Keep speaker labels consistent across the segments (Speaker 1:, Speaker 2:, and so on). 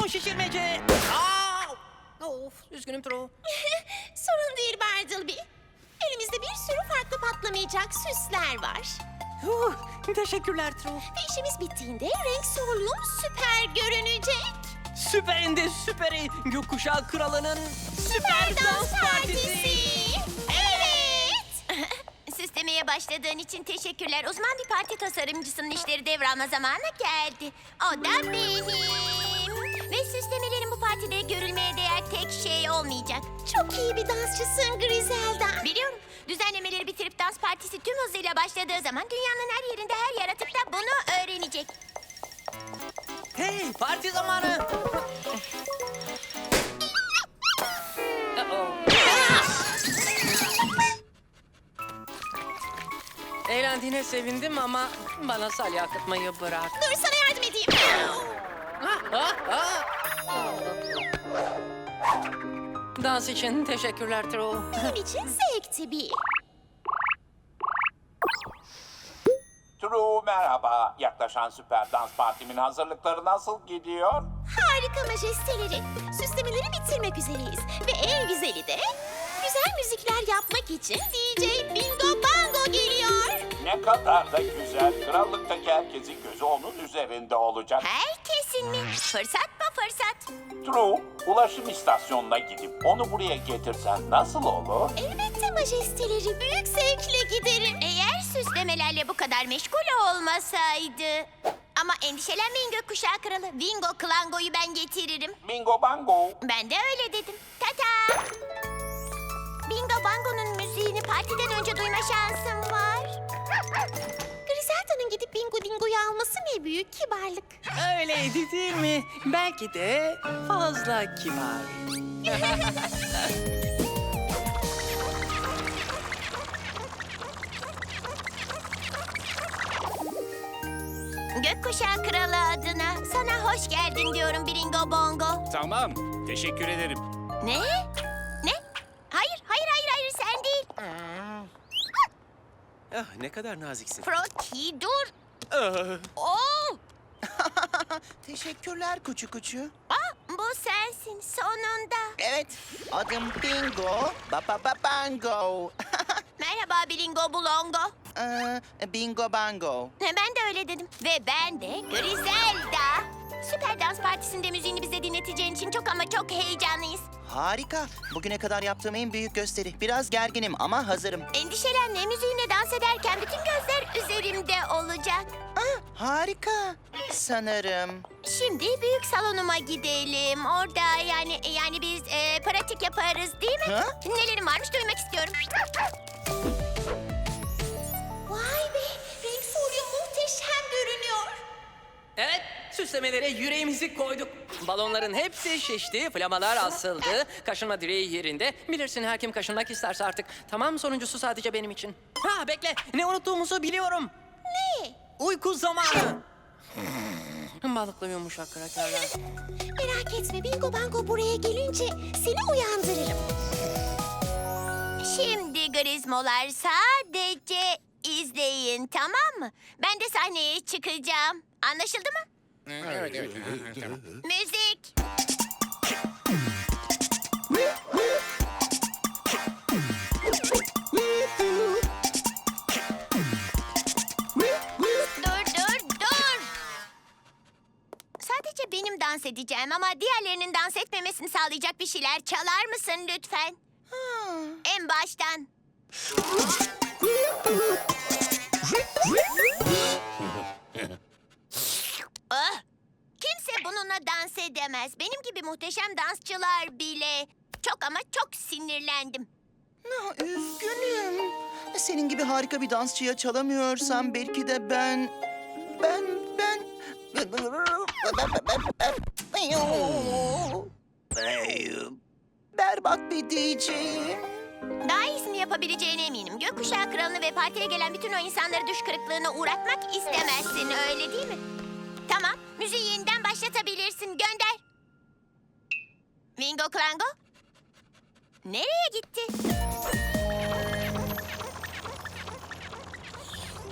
Speaker 1: balon şişirmece. Of, üzgünüm True.
Speaker 2: Sorun değil Bartleby. Elimizde bir sürü farklı patlamayacak süsler var.
Speaker 1: Teşekkürler True.
Speaker 2: Ve işimiz bittiğinde renk solum süper görünecek.
Speaker 1: Süperinde süperi. Gökkuşağı kralının süper dans partisi.
Speaker 2: Evet. Süslemeye başladığın için teşekkürler. Uzman bir parti tasarımcısının işleri devralma zamanı geldi. O da benim. Ve süslemelerin bu partide görülmeye değer tek şey olmayacak. Çok iyi bir dansçısın Griselda. Biliyorum. Düzenlemeleri bitirip dans partisi tüm hızıyla başladığı zaman dünyanın her yerinde her yaratık da bunu öğrenecek.
Speaker 1: Hey, parti zamanı. Eğlendiğine sevindim ama bana salya akıtmayı bırak.
Speaker 2: Dur sana yardım edeyim.
Speaker 1: Dans için teşekkürler True.
Speaker 2: Benim için zevkti bir.
Speaker 3: True merhaba. Yaklaşan süper dans partimin hazırlıkları nasıl gidiyor?
Speaker 2: Harika majesteleri. Süslemeleri bitirmek üzereyiz. Ve en güzeli de güzel müzikler yapmak için DJ Bingo Bango geliyor.
Speaker 3: Ne kadar da güzel. Krallıktaki herkesin gözü onun üzerinde olacak.
Speaker 2: Herkesin mi? Fırsat mı fırsat?
Speaker 3: True, ulaşım istasyonuna gidip onu buraya getirsen nasıl olur?
Speaker 2: Elbette majesteleri. Büyük zevkle giderim. Eğer süslemelerle bu kadar meşgul olmasaydı. Ama endişelenmeyin gökkuşağı kralı. Bingo Klango'yu ben getiririm.
Speaker 3: Bingo bango.
Speaker 2: Ben de öyle dedim. Tata! Bingo Bango'nun müziğini partiden önce duyma şansım var. Griselda'nın gidip Bingo Dingo'yu alması ne büyük kibarlık.
Speaker 1: Öyleydi değil mi? Belki de fazla kibar.
Speaker 2: Gökkuşağı kralı adına sana hoş geldin diyorum Bingo Bongo.
Speaker 4: Tamam, teşekkür ederim.
Speaker 2: Ne? Ne? Hayır sen değil.
Speaker 4: Ne kadar naziksin.
Speaker 2: Froti dur.
Speaker 4: Ah,
Speaker 2: Oo!
Speaker 5: Teşekkürler kuçu kuçu.
Speaker 2: Bu sensin sonunda.
Speaker 5: Evet, adım Bingo, Bango.
Speaker 2: Merhaba Bingo Bulongo.
Speaker 5: Bingo Bango.
Speaker 2: Ben de öyle dedim. Ve ben de Griselda. Süper Dans Partisi'nde müziğini bize dinleteceğin için çok ama çok heyecanlıyız.
Speaker 5: Harika. Bugüne kadar yaptığım en büyük gösteri. Biraz gerginim ama hazırım.
Speaker 2: Endişelenme, müziğine dans ederken bütün gözler üzerimde olacak.
Speaker 5: Harika. Sanırım.
Speaker 2: Şimdi büyük salonuma gidelim. Orada yani biz pratik yaparız değil mi?
Speaker 5: Ha?
Speaker 2: Nelerin varmış duymak istiyorum. Vay be, renk folyo muhteşem görünüyor.
Speaker 1: Evet, süslemelere yüreğimizi koyduk. Balonların hepsi şişti, flamalar asıldı, kaşınma direği yerinde. Bilirsin her kim kaşınmak isterse artık. Tamam, sonuncusu sadece benim için. Ha bekle, ne unuttuğumuzu biliyorum.
Speaker 2: Ne?
Speaker 1: Uyku zamanı. Balıklı yumuşak krakerler.
Speaker 2: Merak etme, Bingo Bango buraya gelince seni uyandırırım. Şimdi Grizmolar sadece izleyin, tamam mı? Ben de sahneye çıkacağım. Anlaşıldı mı?
Speaker 4: evet. Tamam.
Speaker 2: Müzik. Dur. Sadece benim dans edeceğim ama diğerlerinin dans etmemesini sağlayacak bir şeyler çalar mısın lütfen? En baştan. Kimse bununla dans edemez. Benim gibi muhteşem dansçılar bile. Çok ama çok sinirlendim.
Speaker 5: Üzgünüm. Senin gibi harika bir dansçıya çalamıyorsam belki de ben... Berbat bir DJ'yim.
Speaker 2: Daha iyisini yapabileceğine eminim. Gökkuşağı kralını ve partiye gelen bütün o insanları düş kırıklığına uğratmak istemezsin, öyle değil mi? Tamam, müziği yeniden başlatabilirsin. Gönder. Bingo Klango? Nereye gitti?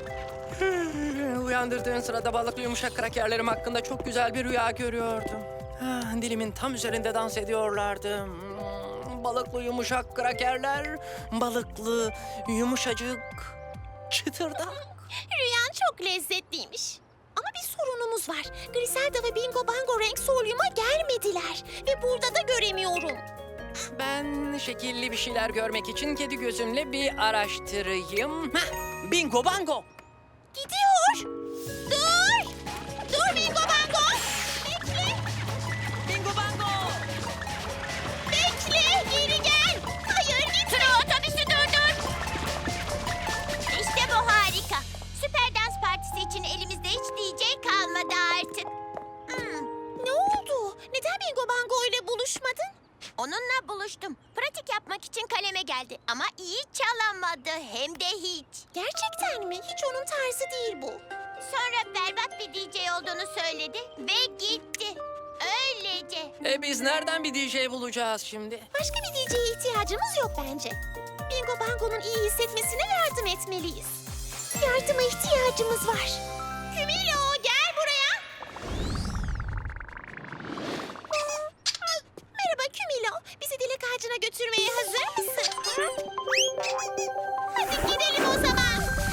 Speaker 1: Uyandırdığın sırada balıklı yumuşak krakerlerim hakkında çok güzel bir rüya görüyordum. Dilimin tam üzerinde dans ediyorlardı. Balıklı yumuşak krakerler, balıklı yumuşacık çıtırdak.
Speaker 2: Rüyan çok lezzetliymiş. Ama bir sorunumuz var. Griselda ve Bingo Bango renk solyuma gelmediler. Ve burada da göremiyorum.
Speaker 1: Ben şekilli bir şeyler görmek için kedi gözümle bir araştırayım. Bingo bango.
Speaker 2: Gidiyor. Dur. Dur Bingo Bango. Bekle.
Speaker 1: Bingo bango.
Speaker 2: Bekle. Geri gel. Hayır gitme. Otobüsü durdur. İşte bu harika. Süper dans partisi için elimizde hiç DJ kalmadı artık. Ne oldu? Neden Bingo Bango ile buluşmadın? Onunla buluştum. Pratik yapmak için kaleme geldi. Ama iyi çalamadı. Hem de hiç. Gerçekten mi? Hiç onun tarzı değil bu. Sonra berbat bir DJ olduğunu söyledi ve gitti. Öylece.
Speaker 1: Biz nereden bir DJ bulacağız şimdi?
Speaker 2: Başka bir DJ'ye ihtiyacımız yok bence. Bingo Bango'nun iyi hissetmesine yardım etmeliyiz. Yardıma ihtiyacımız var. Kümilo gel buraya. Merhaba Kümilo. Bizi dilek ağacına götürmeye hazır mısın? Hadi gidelim o zaman.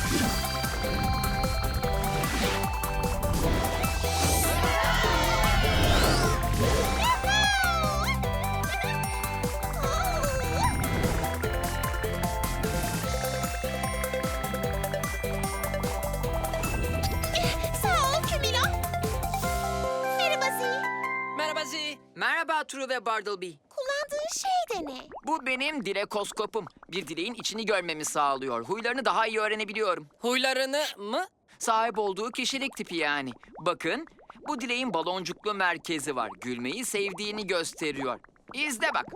Speaker 2: Sağ ol Kümilo. Merhaba Zee.
Speaker 1: Merhaba Zi.
Speaker 6: Merhaba True ve Bartleby.
Speaker 2: Kullandığın şey de ne?
Speaker 6: Bu benim dilekoskopum. Bir dileğin içini görmemi sağlıyor. Huylarını daha iyi öğrenebiliyorum.
Speaker 1: Huylarını mı?
Speaker 6: Sahip olduğu kişilik tipi yani. Bakın, bu dileğin baloncuklu merkezi var. Gülmeyi sevdiğini gösteriyor. İzle bak.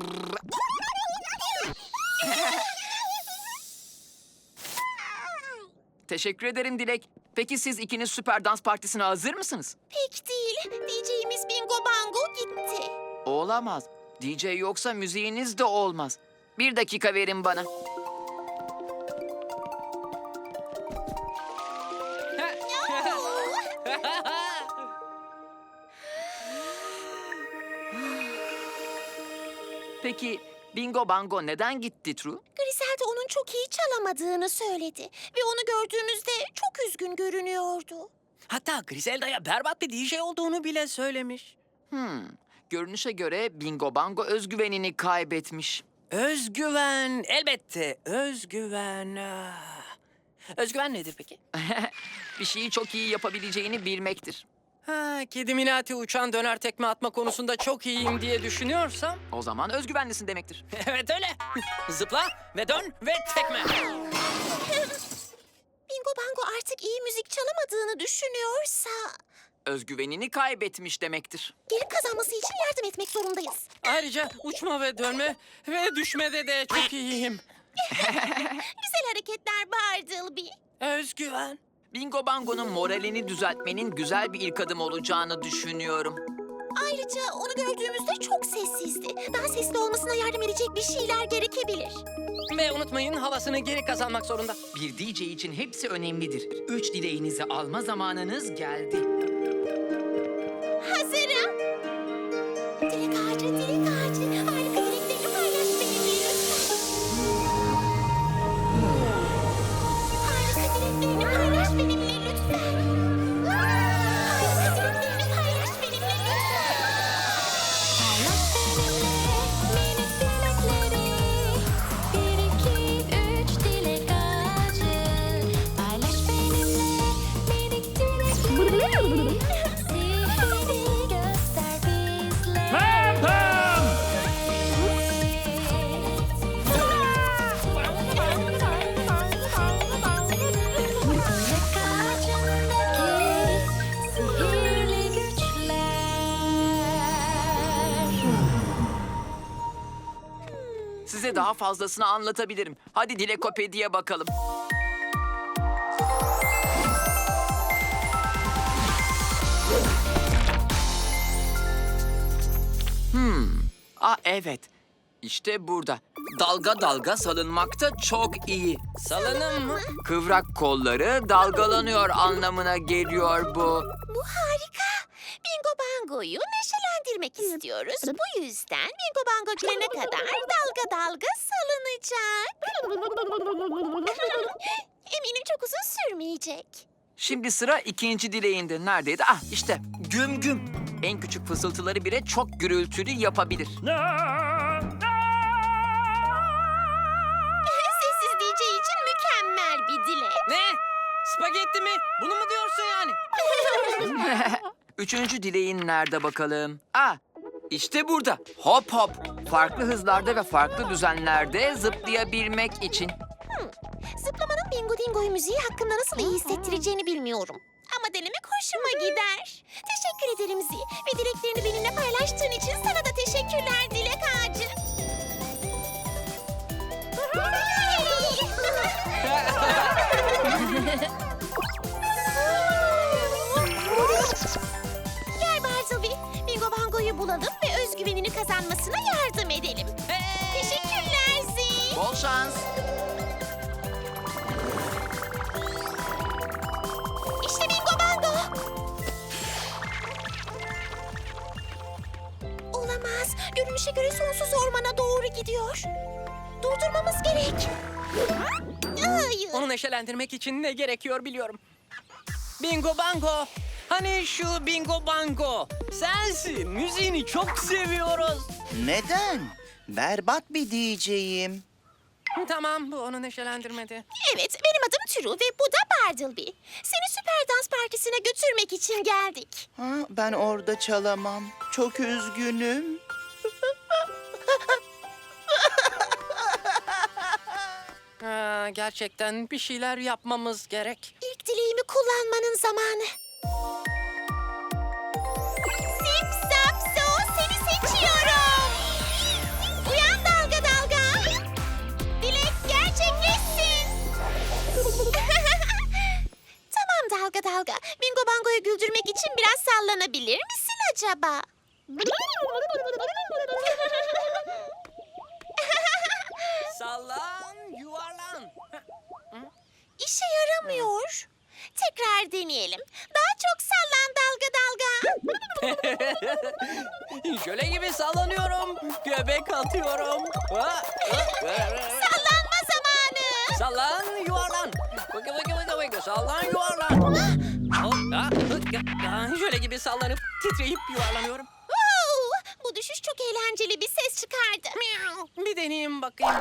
Speaker 6: Teşekkür ederim Dilek. Peki siz ikiniz süper dans partisine hazır mısınız?
Speaker 2: Pek değil. DJ'imiz Bingo Bango gitti.
Speaker 6: Olamaz. DJ yoksa müziğiniz de olmaz. Bir dakika verin bana. Peki Bingo Bango neden gitti True?
Speaker 2: Griselda onun çok iyi çalamadığını söyledi. Ve onu gördüğümüzde çok üzgün görünüyordu.
Speaker 1: Hatta Griselda'ya berbat bir DJ olduğunu bile söylemiş.
Speaker 6: Görünüşe göre Bingo Bango özgüvenini kaybetmiş.
Speaker 1: Özgüven, elbette özgüven. Özgüven nedir peki?
Speaker 6: Bir şeyi çok iyi yapabileceğini bilmektir.
Speaker 1: Kedi Minati uçan döner tekme atma konusunda çok iyiyim diye düşünüyorsam...
Speaker 6: O zaman özgüvenlisin demektir.
Speaker 1: Evet öyle. Zıpla ve dön ve tekme.
Speaker 2: Bingo Bango artık iyi müzik çalamadığını düşünüyorsa...
Speaker 6: Özgüvenini kaybetmiş demektir.
Speaker 2: geri kazanması için yardım etmek zorundayız.
Speaker 1: Ayrıca uçma ve dönme ve düşmede de çok iyiyim.
Speaker 2: Güzel hareketler Bartleby.
Speaker 1: Özgüven.
Speaker 6: Bingo Bango'nun moralini düzeltmenin güzel bir ilk adım olacağını düşünüyorum.
Speaker 2: Ayrıca onu gördüğümüzde çok sessizdi. Daha sesli olmasına yardım edecek bir şeyler gerekebilir.
Speaker 1: Ve unutmayın havasını geri kazanmak zorunda.
Speaker 6: Bir DJ için hepsi önemlidir. 3 dileğinizi alma zamanınız geldi.
Speaker 2: Hazırım. Dilek ağacı, dilek ağacı. Harika dileklerini paylaş benimle lütfen. Harika dileklerini paylaş benimle lütfen. Harika dileklerini paylaş benimle lütfen.
Speaker 7: Paylaş benimle minik dilekleri. 1, 2, 3 dilek ağacı. Paylaş benimle minik dilekleri. Sihrini göster bizlere. Dilek ağacındaki sihirli güçler.
Speaker 6: Size daha fazlasını anlatabilirim. Hadi Dilekopedi'ye bakalım. Evet. İşte burada. Dalga dalga salınmakta çok iyi.
Speaker 1: Salınım mı?
Speaker 6: Kıvrak kolları dalgalanıyor anlamına geliyor bu.
Speaker 2: Bu harika. Bingo Bango'yu neşelendirmek istiyoruz. Bu yüzden Bingo Bango gelene kadar dalga dalga salınacak. Eminim çok uzun sürmeyecek.
Speaker 6: Şimdi sıra ikinci dileğinde. Neredeydi? Ah işte güm güm. En küçük fısıltıları bile çok gürültülü yapabilir.
Speaker 2: Sessiz DJ için mükemmel bir dilek.
Speaker 1: Ne? Spagetti mi? Bunu mu diyorsun yani?
Speaker 6: Üçüncü dileğin nerede bakalım? Ah işte burada. Hop hop. Farklı hızlarda ve farklı düzenlerde zıplayabilmek için.
Speaker 2: Zıplamanın Bingo Dingo'yu müziği hakkında nasıl iyi hissettireceğini bilmiyorum. Ama denemek hoşuma gider. Teşekkür ederim Zi. Ve dileklerini benimle paylaştığın için sana da teşekkürler Dilek Ağacı. Gel Bartleby, Bingo Bango'yu bulalım ve özgüvenini kazanmasına yardım edelim. Teşekkürler Zi.
Speaker 6: Bol şans.
Speaker 2: İşte Bingo Bango. Olamaz. Görünüşe göre sonsuz ormana doğru gidiyor. Durdurmamız gerek. Hayır.
Speaker 1: Onu neşelendirmek için ne gerekiyor biliyorum. Bingo Bango. Hani şu Bingo Bango. Sensin. Müziğini çok seviyoruz.
Speaker 5: Neden? Berbat bir DJ'yim.
Speaker 1: Tamam, bu onu neşelendirmedi.
Speaker 2: Evet, benim adım True ve bu da Bartleby. Seni süper dans partisine götürmek için geldik.
Speaker 5: Ha, ben orada çalamam. Çok üzgünüm.
Speaker 1: Gerçekten bir şeyler yapmamız gerek.
Speaker 2: İlk dileğimi kullanmanın zamanı. Sip sap so seni seçiyorum. Uyan dalga dalga. Dilek gerçekleşsin. Tamam dalga dalga. Bingo Bango'yu güldürmek için biraz sallanabilir misin acaba?
Speaker 1: Sallan, yuvarlan.
Speaker 2: İşe yaramıyor. Tekrar deneyelim. Daha çok sallan dalga dalga.
Speaker 1: Jöle gibi sallanıyorum. Göbek atıyorum.
Speaker 2: Sallanma zamanı.
Speaker 1: Sallan, yuvarlan. Vıkı vıkı vıkı vıkı. Sallan, yuvarlan. Jöle gibi sallanıp titreyip yuvarlanıyorum.
Speaker 2: Wow, bu düşüş çok eğlenceli bir ses çıkardı.
Speaker 1: Bir deneyeyim bakayım.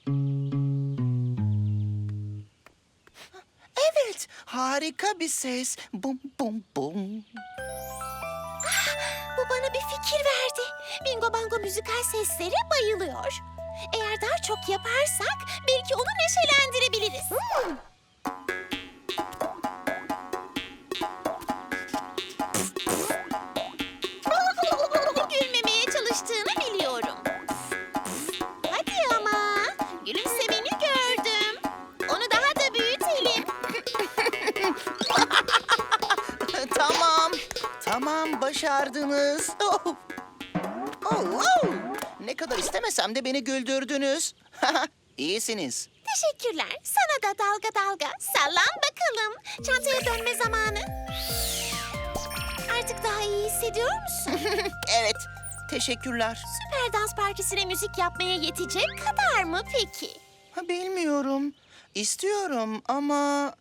Speaker 5: Evet, harika bir ses. Bum bum bum.
Speaker 2: Bu bana bir fikir verdi. Bingo Bango müzikal seslere bayılıyor. Eğer daha çok yaparsak belki onu neşelendirebiliriz. Gülmemeye çalıştığını biliyorum. Hadi ama. Gülümsemeni gördüm. Onu daha da büyütelim.
Speaker 5: Tamam. Tamam, başardınız. Oh. Oh, oh. Ne kadar istemesem de beni güldürdünüz. İyisiniz.
Speaker 2: Teşekkürler. Sana da dalga dalga. Sallan bakalım. Çantaya dönme zamanı. Artık daha iyi hissediyor musun?
Speaker 5: Evet, teşekkürler.
Speaker 2: Süper dans partisine müzik yapmaya yetecek kadar mı peki?
Speaker 5: Bilmiyorum. İstiyorum ama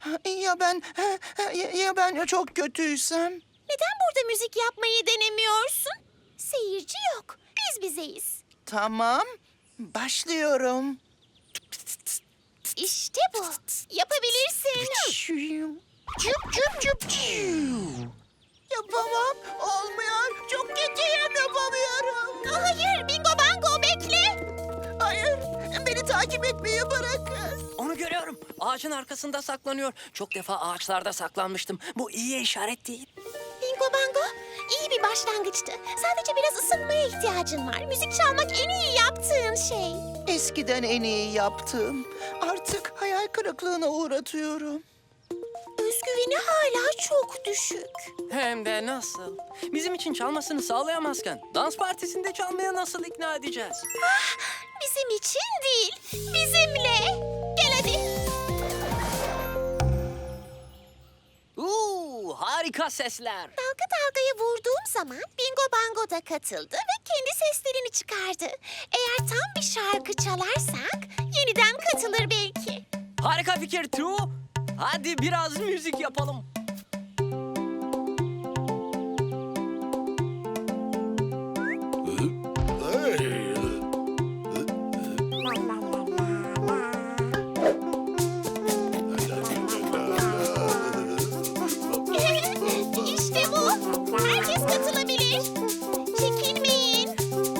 Speaker 5: ya ben çok kötüysem?
Speaker 2: Neden burada müzik yapmayı denemiyorsun? Seyirci yok. Biz bizeyiz.
Speaker 5: Tamam, başlıyorum.
Speaker 2: İşte bu. Yapabilirsin.
Speaker 5: Cüp cüp cüp cüp. Yapamam, olmuyor. Çok kötüyüm, yapamıyorum.
Speaker 2: Hayır, Bingo Bango bekle.
Speaker 5: Hayır, beni takip etmeyi bırakın.
Speaker 1: Onu görüyorum. Ağacın arkasında saklanıyor. Çok defa ağaçlarda saklanmıştım. Bu iyi işaret değil.
Speaker 2: Bingo Bango, iyi bir başlangıçtı. Sadece biraz ısınmaya ihtiyacın var. Müzik çalmak en iyi yaptığın şey.
Speaker 5: Eskiden en iyi yaptığım. Artık hayal kırıklığına uğratıyorum.
Speaker 2: Özgüveni hala çok düşük.
Speaker 1: Hem de nasıl? Bizim için çalmasını sağlayamazken dans partisinde çalmaya nasıl ikna edeceğiz?
Speaker 2: Bizim için değil, bizimle. Gel hadi.
Speaker 1: Harika sesler.
Speaker 2: Dalga dalgaya vurduğum zaman Bingo Bango da katıldı ve kendi seslerini çıkardı. Eğer tam bir şarkı çalarsak yeniden katılır belki.
Speaker 1: Harika fikir True. Hadi biraz müzik yapalım.
Speaker 2: İşte bu. Herkes katılabilir. Çekinmeyin.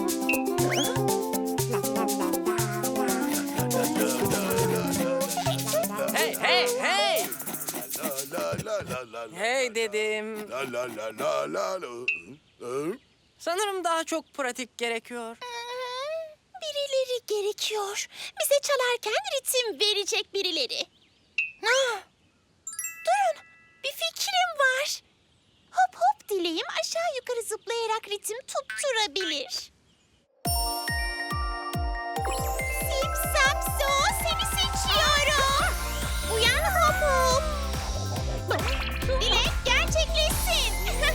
Speaker 1: Hey hey hey. Hey dedim. Sanırım daha çok pratik gerekiyor.
Speaker 2: Birileri gerekiyor. Bize çalarken ritim verecek birileri. Durun, bir fikrim var. Hop hop dileğim aşağı yukarı zıplayarak ritim tutturabilir. Sip sap so seni seçiyorum. Uyan hop hop. Dilek gerçekleşsin.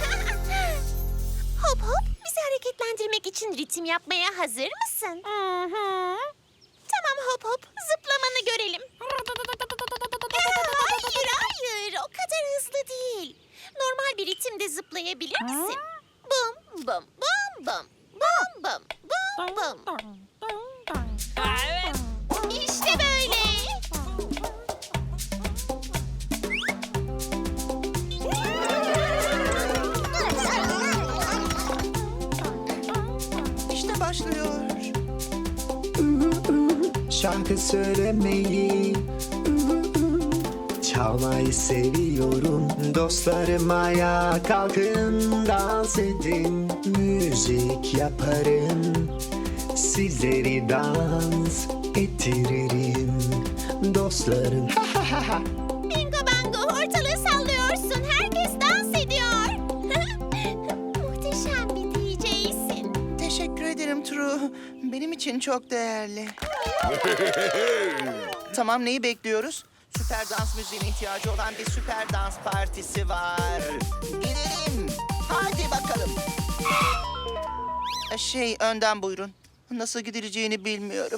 Speaker 2: Hop hop bizi hareketlendirmek için ritim yapmaya hazır mısın? Tamam hop hop zıplamanı görelim. Hayır hayır o kadar hızlı değil. Normal bir ritimde zıplayabilir misin? Bum bum bum bum bum bum bum bum.
Speaker 1: Ha, evet.
Speaker 2: İşte böyle.
Speaker 5: İşte başlıyor.
Speaker 8: Şarkı söylemeyi, çalmayı seviyorum. Dostlarım ayağa kalkın, dans edin. Müzik yaparım, sizleri dans ettiririm. Dostlarım.
Speaker 2: Bingo bango ortalığı sallıyorsun. Herkes dans ediyor. Muhteşem bir DJ'sin.
Speaker 5: Teşekkür ederim True. Benim için çok değerli. Tamam, neyi bekliyoruz? Süper dans müziğine ihtiyacı olan bir süper dans partisi var. Gidelim. Hadi bakalım. Önden buyurun. Nasıl gidileceğini bilmiyorum.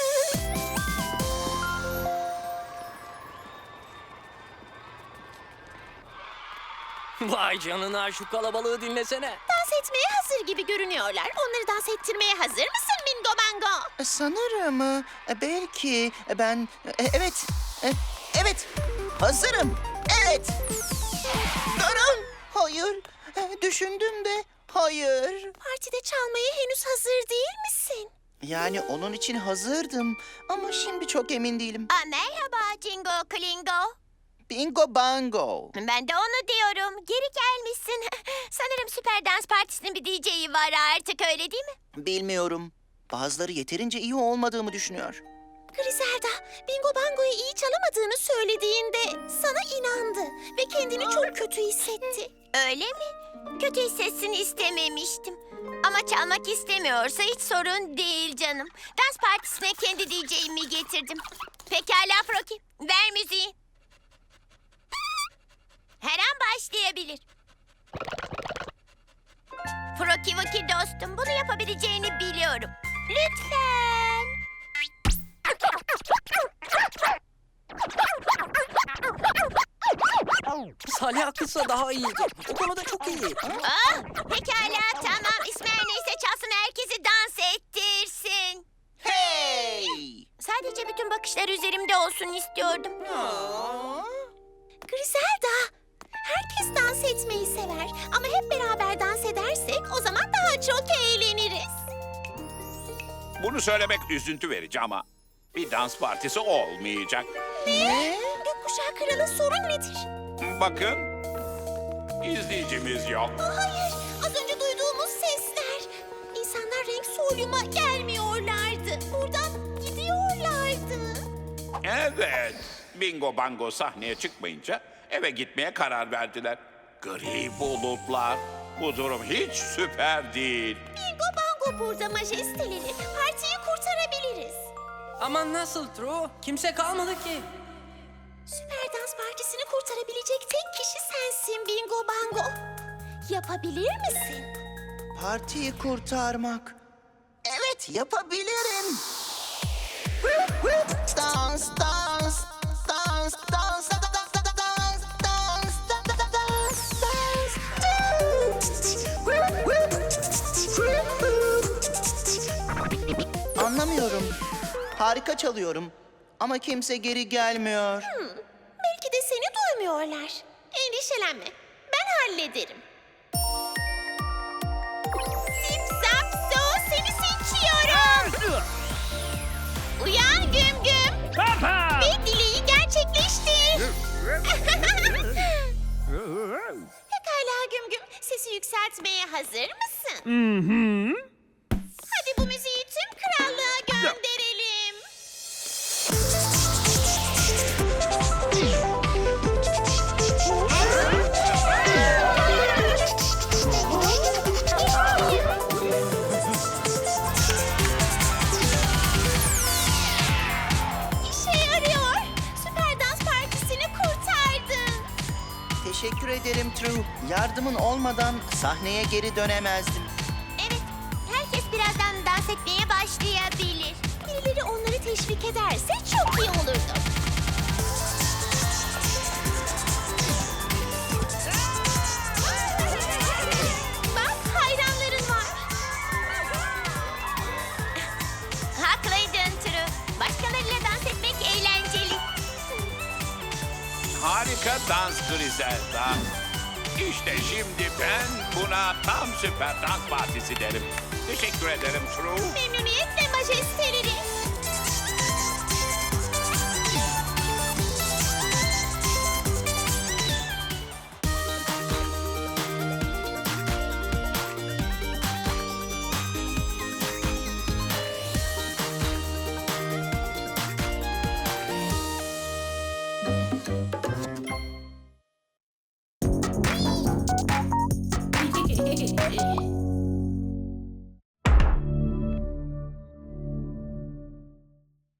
Speaker 1: Vay canına şu kalabalığı dinlesene.
Speaker 2: Dans etmeye hazır gibi görünüyorlar. Onları dans ettirmeye hazır mısın Bingo Bango?
Speaker 5: Sanırım belki ben evet evet hazırım. Evet. Durun. Hayır. Düşündüm de hayır.
Speaker 2: Partide çalmaya henüz hazır değil misin?
Speaker 5: Yani onun için hazırdım ama şimdi çok emin değilim.
Speaker 2: Merhaba Jingo Klingo.
Speaker 5: Bingo bango.
Speaker 2: Ben de onu diyorum. Geri gelmişsin. Sanırım Süper Dans Partisi'nin bir DJ'i var artık öyle değil mi?
Speaker 5: Bilmiyorum. Bazıları yeterince iyi olmadığımı düşünüyor.
Speaker 2: Griselda, Bingo Bango'yu iyi çalamadığını söylediğinde sana inandı ve kendini çok kötü hissetti. Öyle mi? Kötü hissetsin istememiştim. Ama çalmak istemiyorsa hiç sorun değil canım. Dans partisine kendi DJ'imi getirdim. Pekala Froki, ver müziği. Her an başlayabilir. Froki Woki dostum, bunu yapabileceğini biliyorum. Lütfen.
Speaker 1: Salih kısa daha iyiydi. O konuda çok iyi.
Speaker 2: Pekala tamam. İsmi her neyse çalsın herkesi dans ettirsin.
Speaker 5: Hey!
Speaker 2: Sadece bütün bakışlar üzerimde olsun istiyordum. Griselda, herkes dans etmeyi sever. Ama hep beraber dans edersek o zaman daha çok eğleniriz.
Speaker 3: Bunu söylemek üzüntü verici ama bir dans partisi olmayacak.
Speaker 2: Ne? Gökkuşağı Kralı sorun nedir?
Speaker 3: Bakın, izleyicimiz yok.
Speaker 2: Hayır, az önce duyduğumuz sesler. İnsanlar renk solyuma gelmiyorlardı. Buradan gidiyorlardı.
Speaker 3: Evet, Bingo Bango sahneye çıkmayınca eve gitmeye karar verdiler. Gri bulutlar. Bu durum hiç süper değil.
Speaker 2: Bingo Bango burada majesteleri. Partiyi kurtarabiliriz.
Speaker 1: Ama nasıl True? Kimse kalmadı ki.
Speaker 2: Süper Dans Partisi'ni kurtarabilecek tek kişi sensin Bingo Bango. Yapabilir misin?
Speaker 5: Partiyi kurtarmak. Evet, yapabilirim. Dans, dans, dans, dans, dans, Anlamıyorum. Harika çalıyorum. Ama kimse geri gelmiyor.
Speaker 2: Belki de seni duymuyorlar. Endişelenme. Ben hallederim. Zip zap zoo seni seçiyorum. Uyan Güm Güm. Ve dileği gerçekleştir. Pekala Güm Güm. Sesi yükseltmeye hazır mısın? Hadi bu müziği tüm krallığa gönderelim. İşe yarıyor. Süper dans partisini kurtardın.
Speaker 5: Teşekkür ederim True. Yardımın olmadan sahneye geri dönemezdim.
Speaker 2: Evet, herkes birazdan dans etmeye başlayabilir. Birileri onları teşvik ederse çok iyi olurdu. Bak, hayranların var. Haklıydın True. Başkalarıyla dans etmek eğlenceli.
Speaker 3: Harika dans Griselda. İşte şimdi ben buna tam süper dans partisi derim. Teşekkür ederim True.
Speaker 2: Memnuniyetle majesteleri.